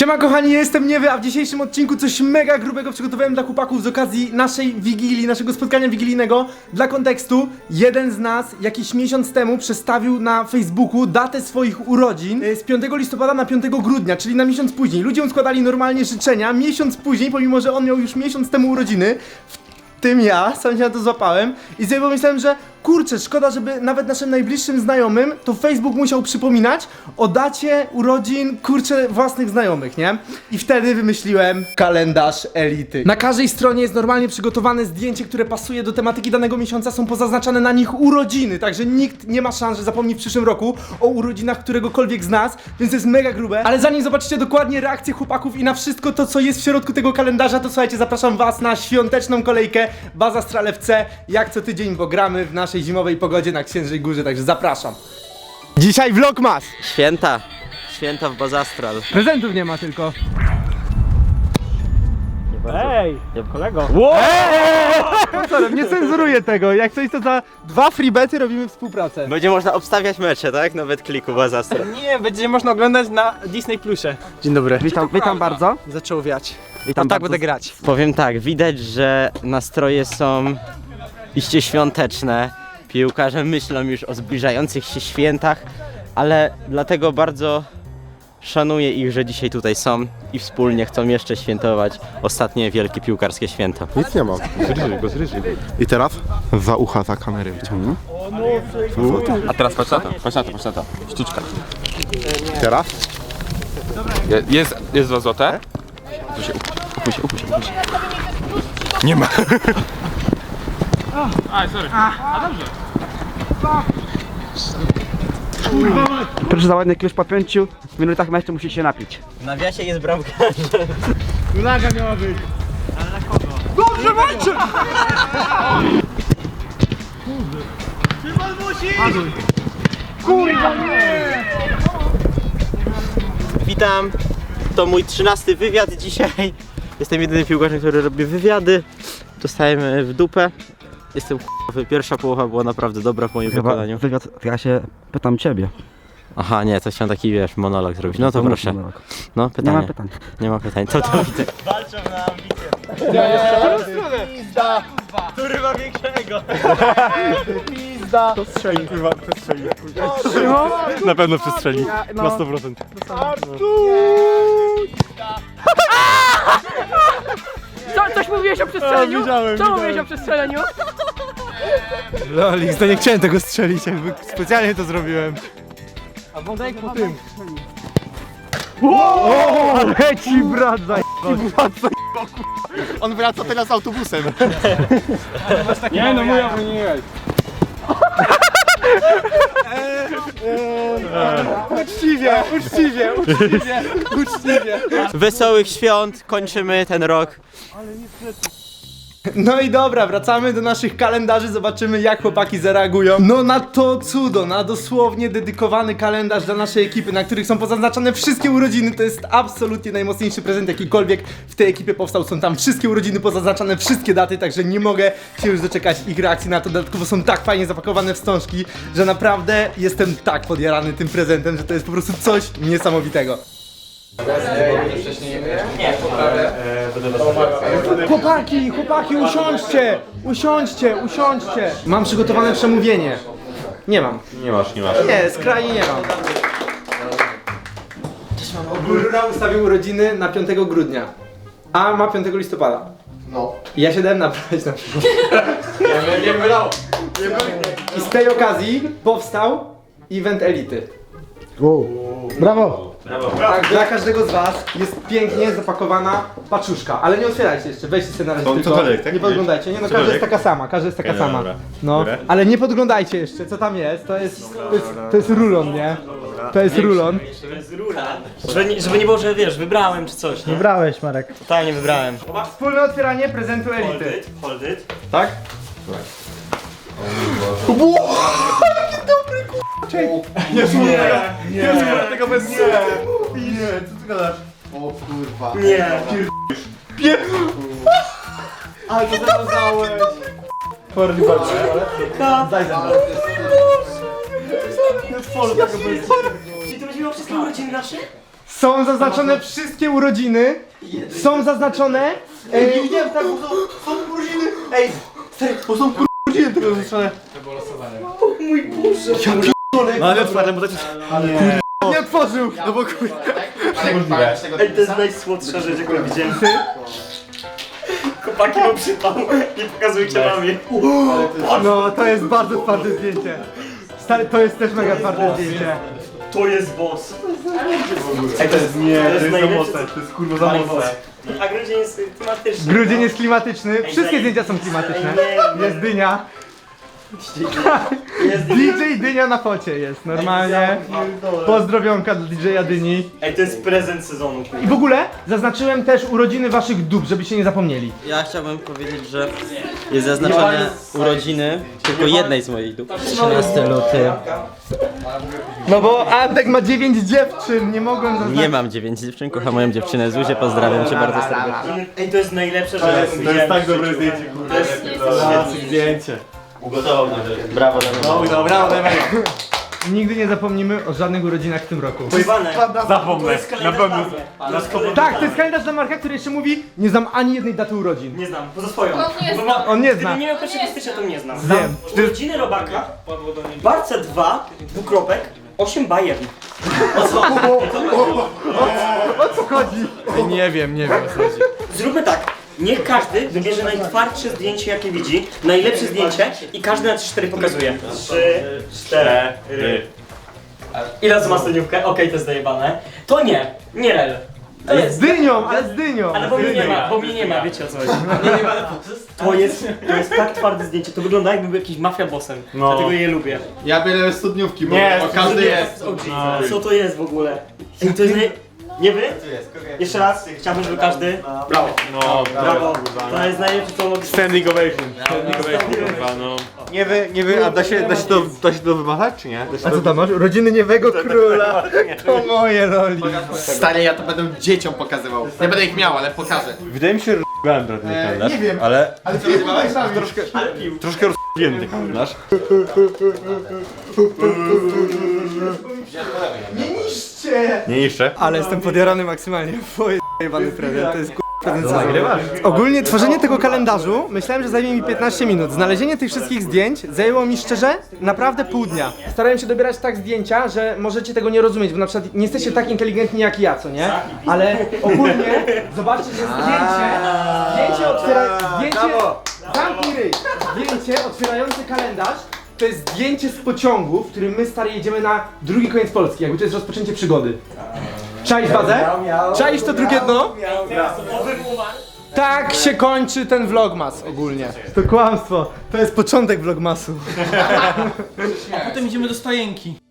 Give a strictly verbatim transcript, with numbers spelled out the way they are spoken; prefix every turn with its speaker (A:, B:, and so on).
A: Siema kochani, ja jestem Niewy, a w dzisiejszym odcinku coś mega grubego przygotowałem dla chłopaków z okazji naszej wigilii, naszego spotkania wigilijnego. Dla kontekstu, jeden z nas jakiś miesiąc temu przestawił na Facebooku datę swoich urodzin z piątego listopada na piątego grudnia, czyli na miesiąc później. Ludzie mu składali normalnie życzenia, miesiąc później, pomimo że on miał już miesiąc temu urodziny, w tym ja, sam się na to złapałem i sobie pomyślałem, że kurczę, szkoda, żeby nawet naszym najbliższym znajomym to Facebook musiał przypominać o dacie urodzin, kurczę, własnych znajomych, nie? I wtedy wymyśliłem kalendarz elity. Na każdej stronie jest normalnie przygotowane zdjęcie, które pasuje do tematyki danego miesiąca, są pozaznaczane na nich urodziny, także nikt nie ma szans, że zapomni w przyszłym roku o urodzinach któregokolwiek z nas, więc to jest mega grube. Ale zanim zobaczycie dokładnie reakcję chłopaków i na wszystko to, co jest w środku tego kalendarza, to słuchajcie, zapraszam was na świąteczną kolejkę Baza Stral F C, jak co tydzień, bo gramy w naszej zimowej pogodzie na Księżej Górze, także zapraszam. Dzisiaj vlogmas!
B: Święta, święta w Baza Stral.
A: Prezentów nie ma tylko.
C: Ej, kolego!
A: Eee! Nie cenzuruję tego, jak coś to za dwa freebety robimy współpracę.
B: Będzie można obstawiać mecze, tak? Nawet kliku Baza Stral.
C: Nie, będzie można oglądać na Disney Plusie. Dzień dobry.
D: Witam, witam bardzo.
C: Zaczął wiać.
D: Witam
C: No tak
D: bardzo.
C: będę grać.
B: Powiem tak, widać, że nastroje są iście świąteczne. Piłkarze myślą już o zbliżających się świętach, ale dlatego bardzo szanuję ich, że dzisiaj tutaj są i wspólnie chcą jeszcze świętować ostatnie wielkie piłkarskie święto.
E: Nic nie ma. Zryżyj go, zryżyj go. I teraz za ucha, za kamerę wyciągnij.
F: A teraz patrz na to, patrz na to, patrz na to. Sztuczka.
E: Teraz?
F: Je- Jest, jest dwa złote. Upuść się, upuść się, upuść się, upuść się. Nie ma.
D: Proszę za ładny klucz po pięciu minutach meczu musicie się napić.
B: W nawiasie jest bramka. Witam, to mój trzynasty wywiad dzisiaj. Jestem jedynym piłkarzem, który robi wywiady. Dostałem w dupę. Jestem k***owy. Pierwsza połowa była naprawdę dobra w moim
D: Chyba
B: wykonaniu.
D: wywiad, ja się pytam ciebie.
B: Aha, nie, to chciałem taki, wiesz, monolog zrobić. No to proszę.
D: monolog.
B: No,
D: Nie
B: pytanie.
D: ma pytań.
B: Nie ma pytań, to to widzę.
F: Na pewno przestrzeli. Na sto procent.
G: Co, coś mówiłeś o przestrzeleniu?
F: widziałem,
G: Co
F: widziałem.
G: mówiłeś o przestrzeleniu?
A: Lolix, to nie chciałem tego strzelić, jakby specjalnie to zrobiłem. Leci brat, za
E: On wraca teraz autobusem.
F: Nie no, moja nie.
A: Uczciwie, uczciwie, uczciwie, uczciwie.
B: Wesołych świąt, kończymy ten rok.
A: No i dobra, wracamy do naszych kalendarzy, zobaczymy jak chłopaki zareagują. No na to cudo, na dosłownie dedykowany kalendarz dla naszej ekipy, na których są pozaznaczone wszystkie urodziny. To jest absolutnie najmocniejszy prezent jakikolwiek w tej ekipie powstał. Są tam wszystkie urodziny pozaznaczone, wszystkie daty, także nie mogę się już doczekać ich reakcji na to. Dodatkowo są tak fajnie zapakowane wstążki, że naprawdę jestem tak podjarany tym prezentem, że to jest po prostu coś niesamowitego. Chłopaki, chłopaki, usiądźcie, usiądźcie, usiądźcie. Mam przygotowane przemówienie. Nie mam.
F: Nie masz, nie masz.
A: Nie, skrajnie nie mam. Cześć mamo. Górura ustawił urodziny na piątego grudnia, a ma piątego listopada. No. I ja się dałem nabrać na przykład.
F: Nie wylał.
A: I z tej okazji powstał event elity.
E: Brawo.
A: Tak, dla każdego z was jest pięknie zapakowana paczuszka, ale nie otwierajcie jeszcze, weźcie sobie na razie
E: To
A: tylko,
E: cokolwiek, tak?
A: nie podglądajcie, nie no, każda
E: Cokolwiek?
A: jest taka sama, każda jest taka
E: Okej,
A: sama,
E: dobra.
A: no,
E: Dobra.
A: ale nie podglądajcie jeszcze, co tam jest, to jest, to jest, to jest rulon, nie? To jest rulon.
C: Żeby nie, żeby nie było, że wiesz, wybrałem czy coś, nie?
A: Wybrałeś, Marek.
C: Totalnie wybrałem.
A: Wspólne otwieranie prezentu elity.
C: Hold it.
A: Tak?
E: Tego bez nie. Nie, co ty gadasz? O kurwa.
C: Nie.
A: Ale to zawiązałeś. Forli bardzo. Daj za mną.
C: Czyli to będzie miało wszystkie urodziny nasze?
A: Są zaznaczone wszystkie urodziny. Są zaznaczone. E,
E: Nie widziałem tak, bo są, są urodziny. Ej, stary, bo są kur- urodziny tego zaznaczone.
C: No ale otwarte, bo to jest...
A: nie otworzył.
E: No bo kur...
F: Możliwe.
C: Ej, to jest najsłodsza rzecz, jaką widziałem. Chłopaki mu przypał. Nie pokazujcie mamie.
A: No to jest bardzo twarde zdjęcie. Stary, to jest też mega twarde zdjęcie.
C: To jest boss.
E: Ej, to jest nie, to jest za
C: najlepsze,
E: mocne,
C: co-
E: to jest kurwa za mocne.
C: A grudzień jest klimatyczny.
A: Grudzień jest klimatyczny. Wszystkie zdjęcia są klimatyczne. Jest dynia.
C: Jest
A: D J Dynia na focie jest, normalnie. Pozdrowionka dla D J Dyni.
C: Ej, to jest prezent sezonu.
A: I w ogóle zaznaczyłem też urodziny waszych dup, żebyście nie zapomnieli.
B: Ja chciałbym powiedzieć, że jest zaznaczone urodziny tylko jednej z moich dup. trzynasty luty.
A: No bo Antek ma dziewięć dziewczyn, nie mogłem zaznaczyć.
B: Nie mam dziewięć dziewczyn, kocham moją dziewczynę Zuzię, pozdrawiam cię bardzo serdecznie.
C: Ej, to jest najlepsze, że
E: To
C: ja
E: jest, to jest tak dobre zdjęcie, kurwa.
C: To jest
E: Klasyk zdjęcie.
C: Ugotował mnie. Brawo,
E: No, dobra, dajmy.
A: Nigdy nie zapomnimy o żadnych urodzinach w tym roku.
C: Pojwane.
E: Zapomnę, na pewno.
A: Tak, to jest kalendarz dla Marka, który jeszcze mówi: nie znam ani jednej daty urodzin.
C: Nie znam, poza swoją.
G: nie
C: Bo ma-
A: On nie
C: Gdybym
A: zna.
C: nie miał pierwszego stycznia, to nie znam.
A: Wiem.
C: Urodziny Robaka, Barca dwa, dwukropek, osiem Bayern.
A: O co chodzi?
E: Nie wiem, nie wiem o co chodzi.
C: Zróbmy tak. Niech każdy wybierze najtwardsze zdjęcie, jakie widzi, najlepsze zdjęcie i każdy na trzy cztery pokazuje. trzy, cztery. Ile razy ma studniówkę? Okej, to jest zajebane. To nie, nie rel. To
A: Z
C: jest.
A: dynią, ale z dynią.
C: Ale bo mnie nie ma, bo mnie nie ma, wiecie o co chodzi. To jest, to jest tak twarde zdjęcie, to wygląda jakby był jakiś mafia bossem.
E: No.
C: Dlatego je lubię.
E: Ja biorę studniówki, bo,
C: Nie,
E: bo każdy jest.
C: Co to jest w ogóle? Ej, to jest nie... Nie wy? Jeszcze raz, chciałbym, żeby każdy... Brawo.
F: No,
C: Brawo. To jest najlepsze, co mogę...
E: Standing ovation. Standing ovation, kurwa, no. Nie wy, nie wy, a da się, da się to, da się to wymazać, czy nie? Da się
A: A co tam masz? Urodziny niewego króla. To moje roli.
E: Stary, ja to będę dzieciom pokazywał. Nie będę ich miał, ale pokażę. Wydaje mi się, że r***ałem ten kalendarz. Nie wiem. Ale,
A: Ale ty rozmawiałeś sami.
E: troszkę, troszkę r***ałem ten kalendarz.
A: Nie niszcie!
E: Nie jeszcze.
A: Ale jestem podjarany maksymalnie. Twoje jebany prezent, to jest k***a prezent sezonu. Ogólnie tworzenie tego kalendarzu myślałem, że zajmie mi piętnaście minut. Znalezienie tych wszystkich zdjęć zajęło mi szczerze naprawdę pół dnia. Starałem się dobierać tak zdjęcia, że możecie tego nie rozumieć, bo na przykład nie jesteście tak inteligentni jak ja, co nie? Ale ogólnie zobaczcie, że zdjęcie, zdjęcie otwiera... Zdjęcie... Zamknij ryj! Zdjęcie otwierające kalendarz to jest zdjęcie z pociągu, w którym my stary jedziemy na drugi koniec Polski, jakby to jest rozpoczęcie przygody. Czaisz bazę? Czaisz to drugie dno? Tak się kończy ten vlogmas ogólnie. To kłamstwo, to jest początek vlogmasu.
H: Potem idziemy do stajenki.